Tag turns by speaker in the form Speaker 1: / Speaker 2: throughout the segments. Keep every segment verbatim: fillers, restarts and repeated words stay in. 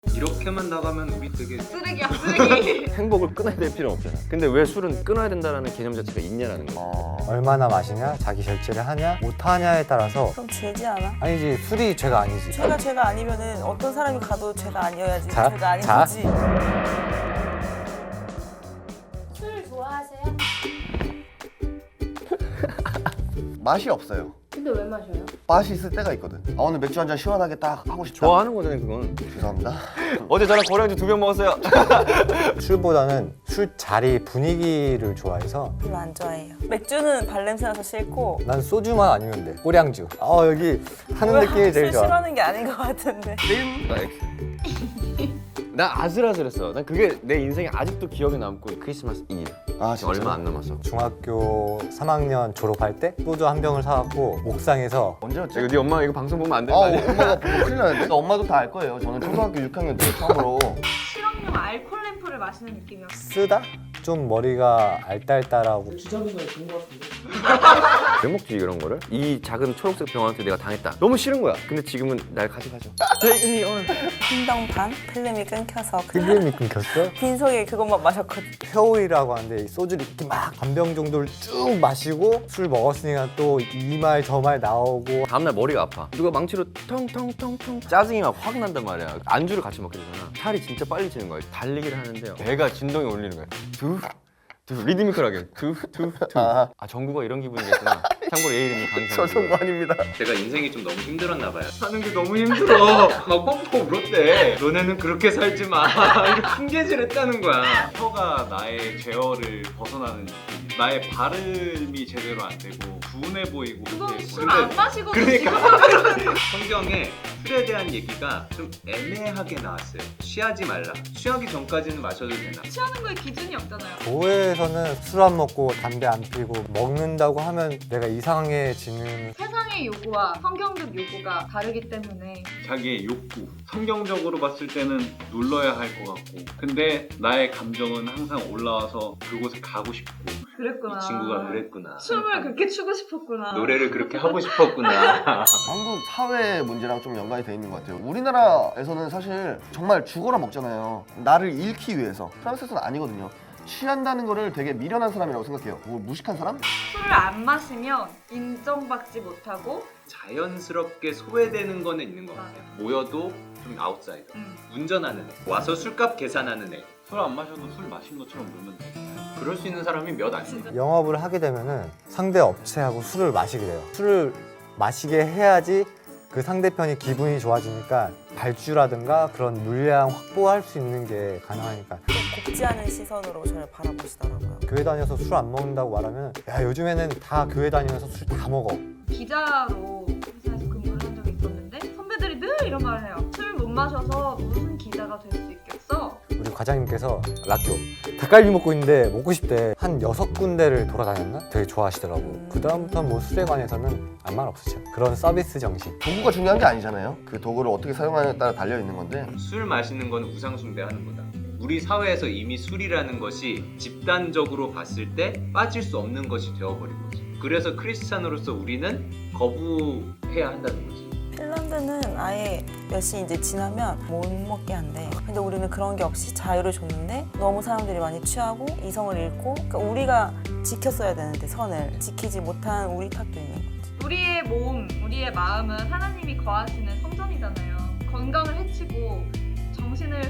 Speaker 1: 이렇게만 나가면 우리 되게
Speaker 2: 쓰레기야 쓰레기.
Speaker 3: 행복을 끊어야 될 필요는 없잖아. 근데 왜 술은 끊어야 된다는 개념 자체가 있냐라는 거야.
Speaker 4: 어, 얼마나 마시냐, 자기 절제를 하냐, 못하냐에 따라서.
Speaker 5: 그럼 죄지 않아?
Speaker 4: 아니지, 술이 죄가 아니지.
Speaker 5: 죄가 죄가 아니면은 어떤 사람이 가도 죄가 아니어야지.
Speaker 4: 자,
Speaker 5: 죄가 아닌
Speaker 4: 자.
Speaker 5: 거지.
Speaker 2: 술 좋아하세요?
Speaker 6: 맛이 없어요.
Speaker 2: 근데 왜 마셔요?
Speaker 6: 맛이 있을 때가 있거든. 아, 오늘 맥주 한 잔 시원하게 딱 하고 싶다.
Speaker 3: 좋아하는 거잖아요, 그건.
Speaker 6: 죄송합니다.
Speaker 3: 어제 저랑 고량주 두 병 먹었어요.
Speaker 4: 술보다는 술자리 분위기를 좋아해서
Speaker 5: 별로 안 좋아해요. 맥주는 발냄새 나서 싫고.
Speaker 4: 난 소주만 아니면 돼. 꼬량주. 어, 여기 하는 느낌이 제일
Speaker 5: 술
Speaker 4: 좋아.
Speaker 5: 싫어하는 게 아닌 것 같은데.
Speaker 3: 나 X. 나 아슬아슬했어. 난 그게 내 인생에 아직도 기억에 남고 크리스마스 이브.
Speaker 6: 아,
Speaker 3: 지금
Speaker 6: 진짜?
Speaker 3: 얼마 안 남았어.
Speaker 4: 중학교 삼 학년 졸업할 때 소주 한 병을 사갖고 옥상에서
Speaker 6: 언제였지?
Speaker 3: 이거 네 엄마 이거 방송 보면 안
Speaker 6: 아,
Speaker 3: 되는 거 아니야?
Speaker 6: 엄마가 보고 큰일 나는데? 엄마도 다 알 거예요. 저는 초등학교 육 학년 때 처음으로
Speaker 2: 실험용 알콜 램프를 마시는 느낌이었어.
Speaker 4: 쓰다? 좀 머리가 알딸딸하고.
Speaker 3: 왜 먹지 이런 거를? 이 작은 초록색 병원한테 내가 당했다. 너무 싫은 거야. 근데 지금은 날 가져가죠. Take me on.
Speaker 5: 한 병 반? 필름이 끊겨서
Speaker 4: 필름이 끊겼어?
Speaker 5: 빈속에 그것만 마셨거든.
Speaker 4: 회오리라고 하는데 이 소주를 이렇게 막 반 병 정도를 쭉 마시고 술 먹었으니까 또 이 말 저 말 나오고.
Speaker 3: 다음날 머리가 아파. 누가 망치로 텅텅텅텅 짜증이 막 확 난단 말이야. 안주를 같이 먹게 되잖아. 살이 진짜 빨리 찌는 거야. 달리기를 하는데요. 배가 진동이 울리는 거야. 두, 두 리드미컬하게 두, 두, 두.
Speaker 6: 아.
Speaker 3: 아 정구가 이런 기분이겠구나. 참고로 얘 이름이
Speaker 6: 저
Speaker 3: 강성구.
Speaker 6: 정도 아닙니다.
Speaker 1: 제가 인생이 좀 너무 힘들었나 봐요. 사는 게 너무 힘들어. 막 펑펑 울었대. 너네는 그렇게 살지 마. 이렇게 훈계질했다는 거야.
Speaker 7: 혀가 나의 제어를 벗어나는 느낌. 나의 발음이 제대로 안 되고 분해 보이고
Speaker 2: 그건
Speaker 7: 근데
Speaker 2: 술 안 마시고
Speaker 1: 그러니까 성경에 술에 대한 얘기가 좀 애매하게 나왔어요. 취하지 말라. 취하기 전까지는 마셔도 되나?
Speaker 2: 취하는 거에 기준이 없잖아요.
Speaker 4: 교회에서는 술 안 먹고 담배 안 피고 먹는다고 하면 내가 이상해지는.
Speaker 2: 세상의 요구와 성경적 요구가 다르기 때문에
Speaker 7: 자기의 욕구 성경적으로 봤을 때는 눌러야 할 것 같고 근데 나의 감정은 항상 올라와서 그곳에 가고 싶고
Speaker 2: 그랬구나.
Speaker 1: 이 친구가 그랬구나.
Speaker 2: 춤을 그렇게 추고 싶었구나.
Speaker 1: 노래를 그렇게 하고 싶었구나.
Speaker 6: 한국 사회 문제랑 좀 연관이 돼 있는 것 같아요. 우리나라에서는 사실 정말 죽어라 먹잖아요. 나를 잃기 위해서. 프랑스에서는 아니거든요. 취한다는 거를 되게 미련한 사람이라고 생각해요. 뭐 무식한 사람?
Speaker 2: 술을 안 마시면 인정받지 못하고
Speaker 1: 자연스럽게 소외되는 거는 있는 것 같아요. 모여도 좀 아웃사이더.
Speaker 2: 음.
Speaker 1: 운전하는 애. 와서 술값 계산하는 애.
Speaker 7: 술 안 마셔도 술 마신 것처럼 놀면 돼.
Speaker 1: 그럴 수 있는 사람이 몇 안 돼요.
Speaker 2: 진짜
Speaker 4: 영업을 하게 되면은 상대 업체하고 술을 마시게 돼요. 술을 마시게 해야지 그 상대편이 기분이 좋아지니까 발주라든가 그런 물량 확보할 수 있는 게 가능하니까.
Speaker 5: 곱지 않은 시선으로 저를 바라보시더라고요.
Speaker 4: 교회 다녀서 술 안 먹는다고 말하면 야 요즘에는 다 교회 다니면서 술 다 먹어.
Speaker 2: 기자로 회사에서 근무를 한 적이 있었는데 선배들이 늘 이런 말을 해요. 술 못 마셔서 무슨 기자가 될 수 있겠어?
Speaker 4: 우리 과장님께서 라교 닭갈비 먹고 있는데 먹고 싶대. 한 여섯 군데를 돌아다녔나? 되게 좋아하시더라고. 그 다음부터 뭐 술에 관해서는 아무 말 없으죠. 그런 서비스 정신.
Speaker 6: 도구가 중요한 게 아니잖아요. 그 도구를 어떻게 사용하느냐에 따라 달려 있는 건데.
Speaker 1: 술 마시는 건 우상숭배하는 거다. 우리 사회에서 이미 술이라는 것이 집단적으로 봤을 때 빠질 수 없는 것이 되어버린 거지. 그래서 크리스찬으로서 우리는 거부해야 한다는 거지.
Speaker 5: 핀란드는 아예 몇 시 이제 지나면 못 먹게 한대. 근데 우리는 그런 게 없이 자유를 줬는데 너무 사람들이 많이 취하고 이성을 잃고, 그러니까 우리가 지켰어야 되는데 선을 지키지 못한 우리 탓도 있는 거지.
Speaker 2: 우리의 몸, 우리의 마음은 하나님이 거하시는 성전이잖아요. 건강을 해치고 정신을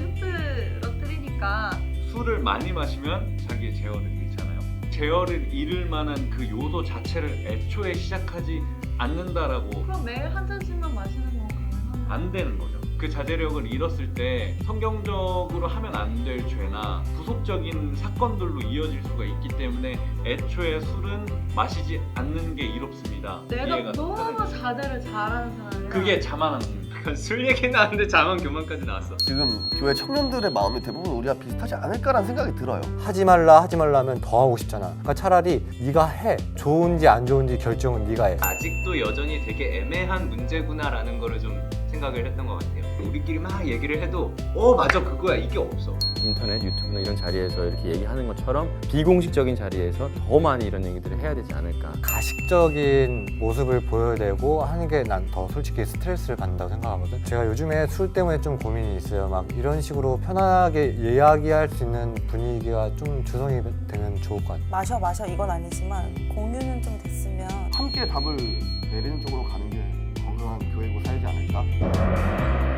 Speaker 2: 흐트러뜨리니까
Speaker 7: 술을 많이 마시면 자기의 제어를 잃잖아요. 제어를 잃을 만한 그 요소 자체를 애초에 시작하지 않는다라고
Speaker 2: 그럼 매일 한 잔씩만 마시는 건 가능한가요?
Speaker 7: 안 되는 거죠. 그 자제력을 잃었을 때 성경적으로 하면 안 될 죄나 구속적인 사건들로 이어질 수가 있기 때문에 애초에 술은 마시지 않는 게 이롭습니다.
Speaker 2: 내가
Speaker 7: 이해가
Speaker 2: 너무
Speaker 7: 가능해요.
Speaker 2: 자제를 잘하는 사람이야.
Speaker 7: 그게 자만함입니다.
Speaker 1: 술 얘기 나왔는데 자만 교만까지 나왔어.
Speaker 6: 지금 교회 청년들의 마음이 대부분 우리와 비슷하지 않을까라는 생각이 들어요.
Speaker 4: 하지 말라 하지 말라 하면 더 하고 싶잖아. 그러니까 차라리 네가 해. 좋은지 안 좋은지 결정은 네가 해.
Speaker 1: 아직도 여전히 되게 애매한 문제구나라는 거를 좀 생각을 했던 것 같아요. 우리끼리 막 얘기를 해도 어 맞아 그거야 이게 없어.
Speaker 3: 인터넷, 유튜브나 이런 자리에서 이렇게 얘기하는 것처럼 비공식적인 자리에서 더 많이 이런 얘기들을 해야 되지 않을까.
Speaker 4: 가식적인 모습을 보여내고 하는 게 난 더 솔직히 스트레스를 받는다고 생각하거든. 제가 요즘에 술 때문에 좀 고민이 있어요. 막 이런 식으로 편하게 이야기할 수 있는 분위기가 좀 조성이 되면 좋을 것 같아요.
Speaker 5: 마셔 마셔 이건 아니지만 공유는 좀 됐으면
Speaker 6: 함께 답을 내리는 쪽으로 가는 게 건강한 교회고 살지 않을까?